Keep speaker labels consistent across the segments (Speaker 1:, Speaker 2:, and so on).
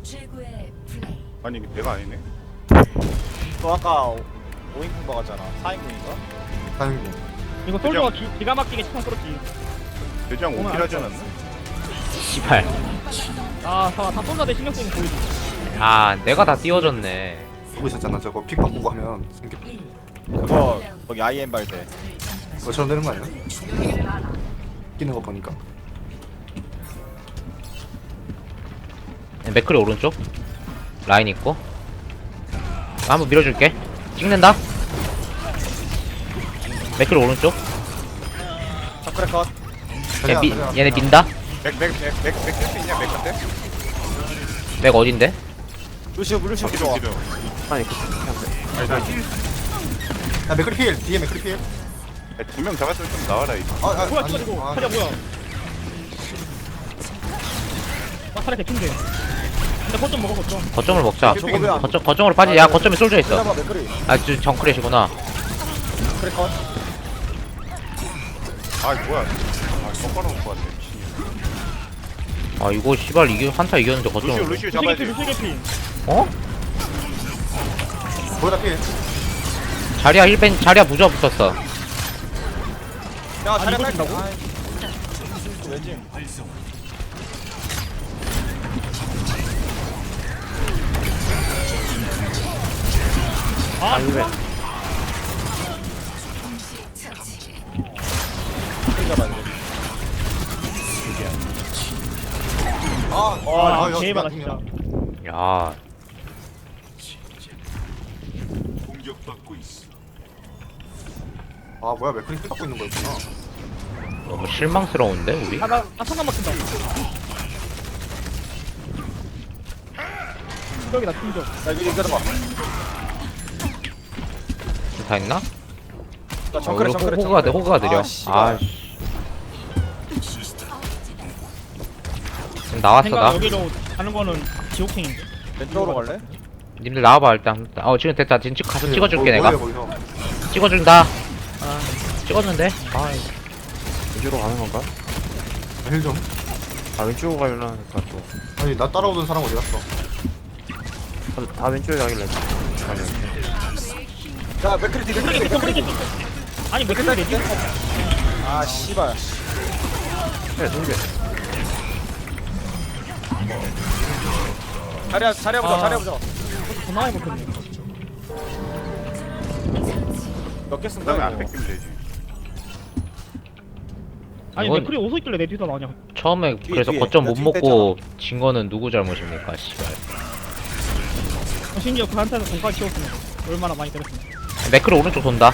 Speaker 1: 아니 이게 배가 아니네.
Speaker 2: 너 아까 5인공 먹었잖아. 4인공인가?
Speaker 3: 다행이고.
Speaker 4: 이거 솔저가 기가 막히게 치판 끌었지.
Speaker 1: 대장
Speaker 4: 오늘
Speaker 1: 5킬 하지 않았나?
Speaker 5: 씨발.
Speaker 4: 다 솔저 대 신경 쓰는 보이지.
Speaker 5: 아, 내가 다 띄워줬네.
Speaker 3: 보고 있었잖아. 저거 픽 바꾸고 하면 생겨.
Speaker 2: 그거 거기 IM 발대.
Speaker 3: 저처럼 되는 거 아니야? 끼는 거 보니까.
Speaker 5: 맥클이 오른쪽. 라인 있고. 한번 밀어줄게. 찍는다. 맥클이 오른쪽.
Speaker 2: 정크레 컷.
Speaker 5: 얘네 민다.
Speaker 1: 맥쓸 수 있냐 맥한테?
Speaker 5: 맥 어딘데?
Speaker 2: 루시오
Speaker 1: 기도 기도.
Speaker 6: 아니
Speaker 1: 아니 나
Speaker 3: 야 맥크리 필. 뒤에 맥크리 필.
Speaker 1: 2명 잡았으면 좀 나와라 이거.
Speaker 4: 뭐야 이거 타자 뭐야. 타자 개친데. 근데 거점 먹어 거점.
Speaker 5: 거점을 먹자.
Speaker 2: 저거 왜안
Speaker 5: 거점으로 빠지. 야, 거점에 솔져 있어.
Speaker 2: 잡아 맥크리.
Speaker 5: 아, 저 정크렛이구나.
Speaker 2: 정크레 컷.
Speaker 1: 아 뭐야? 아 똑바로 놓고 왔네. 미친.
Speaker 5: 아, 이거 씨발 이게 한타 이겼는데 거점을.
Speaker 1: 루시오 잡아야지.
Speaker 4: 루시 개피.
Speaker 5: 어?
Speaker 3: 보다 필.
Speaker 5: 자리야 힐벤 자리야 부자 붙었어.
Speaker 2: 야, 자리
Speaker 4: 이걸
Speaker 2: 빨리.
Speaker 4: 준다고?
Speaker 2: 왜지?
Speaker 4: 이거. 와,
Speaker 3: 야,
Speaker 4: 개박아
Speaker 3: 야,
Speaker 4: 진짜.
Speaker 5: 야,
Speaker 3: 아 뭐야 맥크리 필 갖고 있는 거였구나.
Speaker 5: 너무 실망스러운데 우리?
Speaker 4: 나 천만 막힌다. 충격이다 충격.
Speaker 2: 야, 이거 기다려봐.
Speaker 5: 다 했나?
Speaker 2: 나 정크레 정크레.
Speaker 5: 호그가 느려.
Speaker 2: 씨발.
Speaker 5: 지금 나왔어
Speaker 4: 생각
Speaker 5: 나.
Speaker 4: 여기로 가는 거는 지옥행인데.
Speaker 2: 왼쪽으로 갈래?
Speaker 5: 님들 나와봐 일단. 지금 됐다. 지금 가서 찍어줄게 내가.
Speaker 3: 뭐야, 거기서.
Speaker 5: 찍어준다. 찍었는데.
Speaker 6: 왼쪽으로 가는 건가?
Speaker 3: 힐 좀.
Speaker 6: 아 왼쪽으로 가려나 하니까 또.
Speaker 3: 아니 나 따라오던 사람 어디 갔어?
Speaker 6: 다 왼쪽에 가길래. 아니
Speaker 2: 야, 맥크리 뒤 맥크리 뒤.
Speaker 4: 맥크리 개피. 아니 맥크리 개피.
Speaker 2: 아, 씨발.
Speaker 6: 네, 동계.
Speaker 2: 자리야 보자. 자리야 보자.
Speaker 4: 전화해 볼겠네.
Speaker 2: 몇개 쓴
Speaker 1: 그다음에
Speaker 2: 거야?
Speaker 1: 안
Speaker 2: 이거?
Speaker 1: 뺏기면 되지.
Speaker 4: 아니
Speaker 5: 이건-
Speaker 4: 맥크리 오서 있길래 내 뒤도 나냐.
Speaker 5: 처음에 그래서
Speaker 2: 뒤에.
Speaker 5: 거점
Speaker 2: 나
Speaker 5: 못
Speaker 2: 뒤에
Speaker 5: 먹고 진 거는 누구 잘못입니까 씨발.
Speaker 4: 심지어 그 한타에서 공까지 키웠으면 얼마나 많이 때렸으면.
Speaker 5: 맥크리 오른쪽 돈다.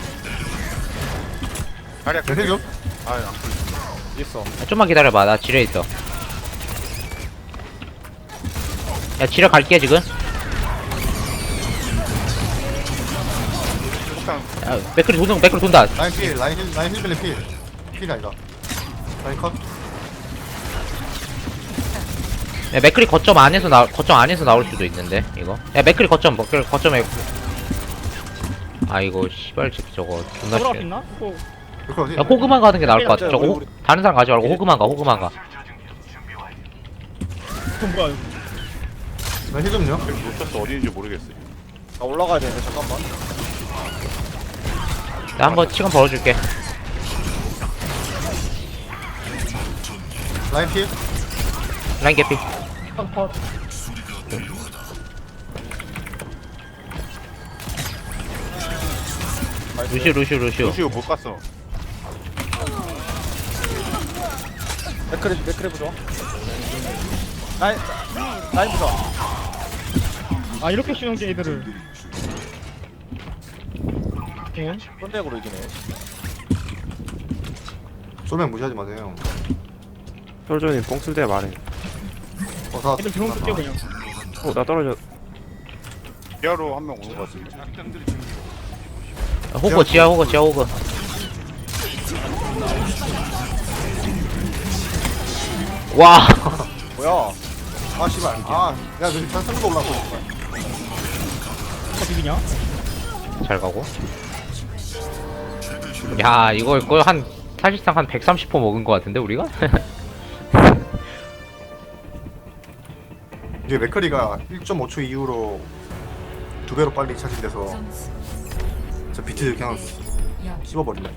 Speaker 1: 자리야
Speaker 3: 힐 좀.
Speaker 1: 아안 풀려.
Speaker 2: 있어.
Speaker 5: 좀만 기다려봐. 나 지뢰 있어. 야 지뢰 갈게 지금.
Speaker 1: 폭탄
Speaker 5: 야, 맥크리 돈다.
Speaker 3: 라인 필. 라인 힐 빌리 필. 필이 아니다. 라인 컷.
Speaker 5: 야 맥크리 거점 안에서 나올 수도 있는데 이거. 야 맥크리 거점에. 아 이거 씨발 새끼 저거 존나
Speaker 4: 돌아갈 수
Speaker 5: 싫어.
Speaker 4: 있나? 그거
Speaker 3: 이렇게 어디?
Speaker 5: 야 호그만 가는 게 나을 것 같아.
Speaker 2: 우리,
Speaker 5: 저거
Speaker 2: 우리.
Speaker 5: 다른 사람 가지 말고 호그만 가.
Speaker 4: 그건 뭐야 이거.
Speaker 3: 나힐 좀요.
Speaker 1: 여기 놓쳤어 어디인지 모르겠어.
Speaker 2: 나 올라가야 되는데 잠깐만.
Speaker 5: 나 한번 시간 벌어줄게.
Speaker 3: 라인 필.
Speaker 5: 라인 개피.
Speaker 4: 컷.
Speaker 5: 루시오.
Speaker 1: 루시오 못 갔어.
Speaker 2: 맥크리 보자. 라인 보자.
Speaker 4: 아 이렇게 쉬운 게 애들을. 응?
Speaker 2: 손대으로 이기네.
Speaker 3: 쏘면 무시하지 마세요.
Speaker 6: 솔저님 뽕 쓸 때 말해.
Speaker 3: 다.
Speaker 4: 애들 드론 쓸게 그냥.
Speaker 6: 나 떨어져.
Speaker 1: 지하로 한 명 오는 것 같은데.
Speaker 5: 호그 지하 호그. 와.
Speaker 2: 뭐야?
Speaker 3: 아 씨발. 아, 야 저기 다 산도 올라왔어.
Speaker 4: 어 비비냐?
Speaker 5: 잘 가고. 야 이거 한 사실상 한 130% 먹은 것 같은데 우리가?
Speaker 3: 이게 맥커리가 1.5초 이후로 2배로 빨리 차진돼서 저 비트 그냥 씹어버리네.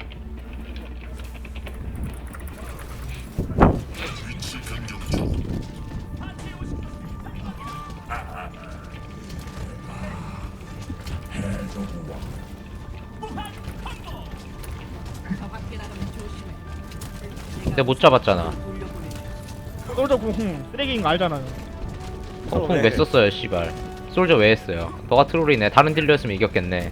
Speaker 5: 근데 못 잡았잖아.
Speaker 4: 솔저 궁 쓰레기인 거 알잖아요.
Speaker 5: 펑펑 왜 썼어요 씨발. 솔저 왜 했어요? 너가 트롤이네. 다른 딜러였으면 이겼겠네.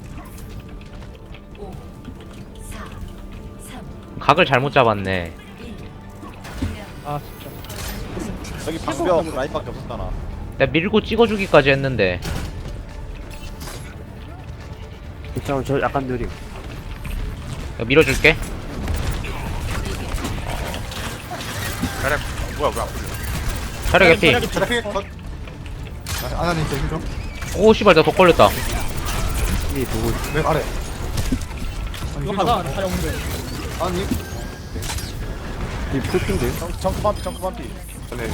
Speaker 5: 각을 잘못 잡았네.
Speaker 4: 아 진짜.
Speaker 2: 여기 방벽 라인밖에 없었잖아.
Speaker 5: 내가 밀고 찍어주기까지 했는데.
Speaker 6: 이쪽은 저 약간 느림.
Speaker 5: 내가 밀어줄게.
Speaker 1: 가략 뭐야 왜안 풀려?
Speaker 5: 차려 개피.
Speaker 3: 테라피 컷. 아나님 저 힐좀.
Speaker 5: 오 씨발 나 더 걸렸다.
Speaker 6: 이 누구?
Speaker 3: 맥 아래.
Speaker 4: 이거 가자. 잘 없는데.
Speaker 3: 아니
Speaker 6: 이 풀핀데?
Speaker 2: 정크 반피 정크 반피.
Speaker 3: 전에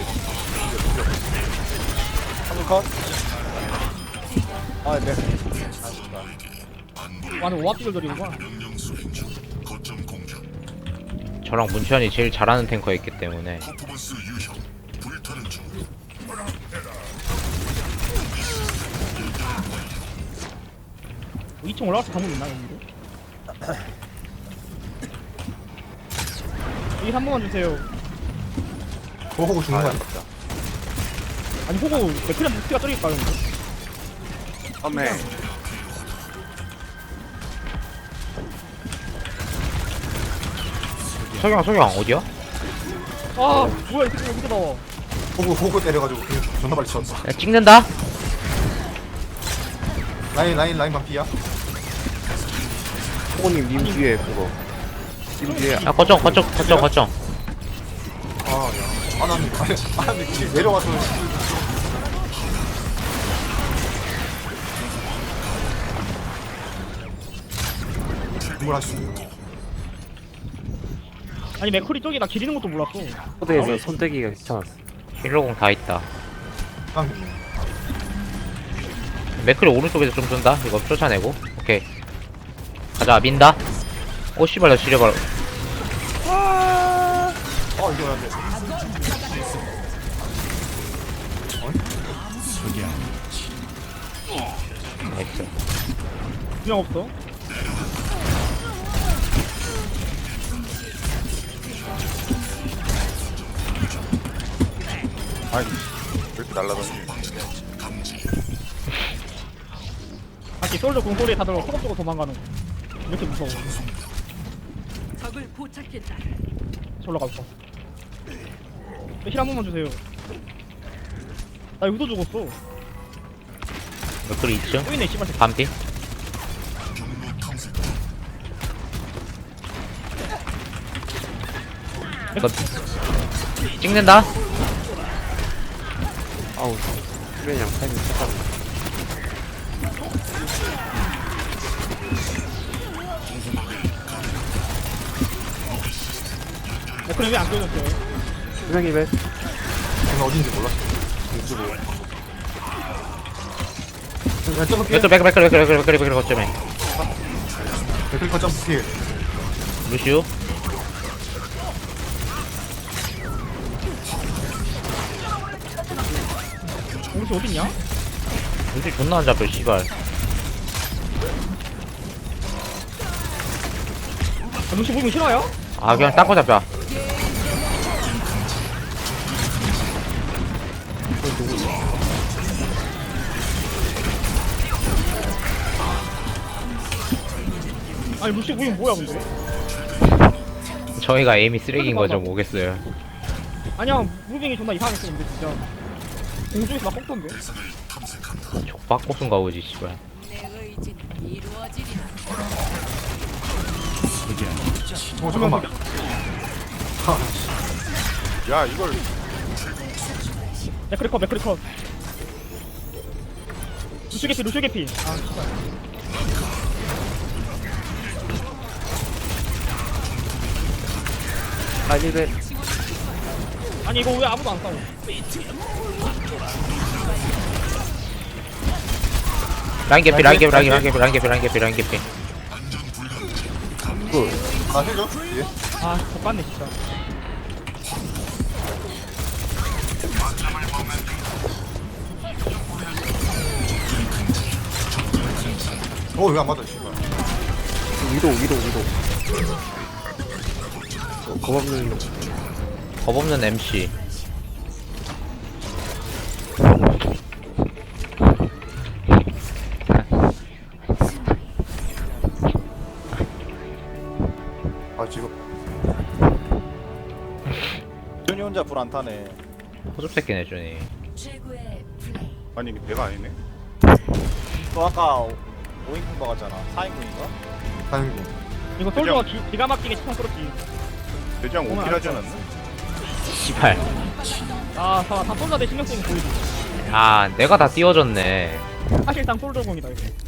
Speaker 2: 한번 컷. 아 네.
Speaker 4: 완전 오합 조절이구나.
Speaker 5: 저랑 문천이 제일 잘하는 탱커였기 때문에.
Speaker 4: 2층 올라가서 방금 있나 여기도? 여기 한 번만 주세요.
Speaker 3: 호구 죽는 거 아니야?
Speaker 4: 아니 호구 맥크리한테 스티가 떨어질까 근데?
Speaker 1: 험해.
Speaker 5: 석영 어디야?
Speaker 4: 아 뭐야 이 새끼 여기서 나와.
Speaker 3: 호구 때려가지고 그냥 존나 빨리 쳤어.
Speaker 5: 야, 찍는다?
Speaker 3: 라인 반피야.
Speaker 6: 호구님 님 뒤에 그거. 님 뒤에
Speaker 5: 야 거점.
Speaker 3: 아야 아나님 길 내려가서 뭘 하시는
Speaker 4: 아니 맥크리 쪽이 나 기리는 것도 몰랐어.
Speaker 6: 코드에서 손대기가 귀찮았어.
Speaker 5: 힐러공 다 있다.
Speaker 3: 깡
Speaker 5: 맥클이 오른쪽에서 좀 쏜다. 이거 쫓아내고. 오케이. 가자 민다. 오 씨발 나 지뢰발.
Speaker 3: 이거 안 돼.
Speaker 5: 나이스.
Speaker 4: 그냥 없어.
Speaker 1: 아니 왜 이렇게 날라다니?
Speaker 4: 다시 솔저 궁 소리에 다들 소금 쪽으로 도망가는 거. 이렇게 무서워.
Speaker 7: 적을 포착했다.
Speaker 4: 저로 가서. 힐 한 번만 주세요. 나 여기도 죽었어.
Speaker 5: 맥클이 2층.
Speaker 4: 또 있네 씨발.
Speaker 5: 반피. 이거 찍는다.
Speaker 6: 아우. 그냥 타이밍 착각.
Speaker 4: 맥크리 왜안 껴졌어요?
Speaker 6: 수명이 배.
Speaker 3: 저는 어딘지 몰랐어.
Speaker 5: 맥클 거점에.
Speaker 3: 맥클 거점 피해.
Speaker 5: 루시우.
Speaker 4: 우리 어딨냐?
Speaker 5: 루시우 존나 안 잡혀 씨발.
Speaker 4: 루시 보이면 싫어요?
Speaker 5: 아 그냥 딴거 잡자.
Speaker 4: 아니 루시 보이면 뭐야 근데?
Speaker 5: 저희가 에임이 쓰레기인 거 좀 오겠어요.
Speaker 4: 아니야 무빙이 존나 이상했어 근데 진짜. 공중에서 막 꺾던데?
Speaker 5: 족박고순가 오지 씨발.
Speaker 7: 내 의지는 이루어지리라.
Speaker 3: 잠깐만.
Speaker 1: 야 이걸
Speaker 4: 맥크리 컷. 루시 개피. 아 진짜.
Speaker 6: 아니 배.
Speaker 4: 아니 이거 왜 아무도 안 싸워?
Speaker 5: 라인 개피 라인 개피 라인 개피 라인 개피 라인 개피 라인 개피.
Speaker 3: 아 해줘 예.
Speaker 4: 아 족같네 진짜.
Speaker 3: 어왜 안 맞아 씨발.
Speaker 6: 위도. 겁없는
Speaker 5: 겁없는 MC.
Speaker 3: 아 지금
Speaker 2: 준이 혼자 불 안 타네.
Speaker 5: 호접 새끼네 준이.
Speaker 1: 아니 이게 내가 아니네.
Speaker 2: 또 아까 5인분 먹었잖아. 4인분인가?
Speaker 3: 다행이고.
Speaker 4: 이거 솔저가 기가 막히게 치판 끌었지.
Speaker 1: 대장
Speaker 4: 오늘
Speaker 1: 오킬 하지
Speaker 4: 알았어.
Speaker 1: 않았나?
Speaker 5: 씨발.
Speaker 4: 다 솔저 내 신경 쓰이는 보이지.
Speaker 5: 아 내가 다 띄워줬네.
Speaker 4: 사실상 솔저공이다 이거.